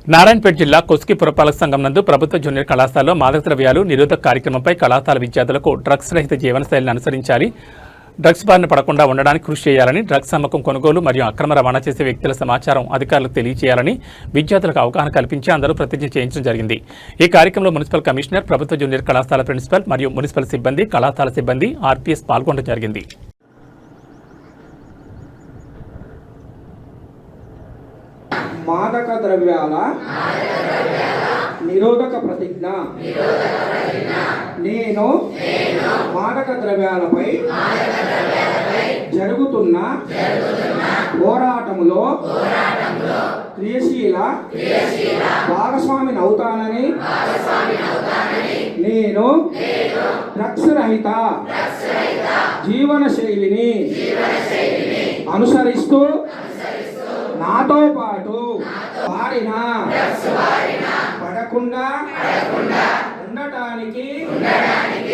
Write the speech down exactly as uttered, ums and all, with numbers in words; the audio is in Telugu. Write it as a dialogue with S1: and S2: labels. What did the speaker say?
S1: నారాయణపేట జిల్లా కొస్కి పురపాలక సంఘం నందు ప్రభుత్వ జూనియర్ కళాశాలలో మాదక ద్రవ్యాలు నిరోధక కార్యక్రమంపై కళాశాల విద్యార్థులకు డ్రగ్స్ రహిత జీవనశైలిని అనుసరించాలి, డ్రగ్స్ బారిన పడకుండా ఉండడానికి కృషి చేయాలని, డ్రగ్స్ అమ్మకం, కొనుగోలు మరియు అక్రమ రవాణా చేసే వ్యక్తుల సమాచారం అధికారులకు తెలియజేయాలని విద్యార్థులకు అవగాహన కల్పించి అందరూ ప్రతిజ్ఞ చేయించడం జరిగింది. ఈ కార్యక్రమంలో మున్సిపల్ కమిషనర్, ప్రభుత్వ జూనియర్ కళాశాల ప్రిన్సిపల్ మరియు మున్సిపల్ సిబ్బంది, కళాశాల సిబ్బంది, ఆర్పీఎస్ పాల్గొనడం జరిగింది.
S2: మాదక ద్రవ్యాల నిరోధక ప్రతిజ్ఞ. నేను మాదక ద్రవ్యాలపై జరుగుతున్న పోరాటములో క్రియాశీల భాగస్వామిని అవుతానని, నేను డ్రగ్స్ రహిత జీవన శైలిని అనుసరిస్తూ నాతో పాటు బారిన పడకుండా ఉండటానికి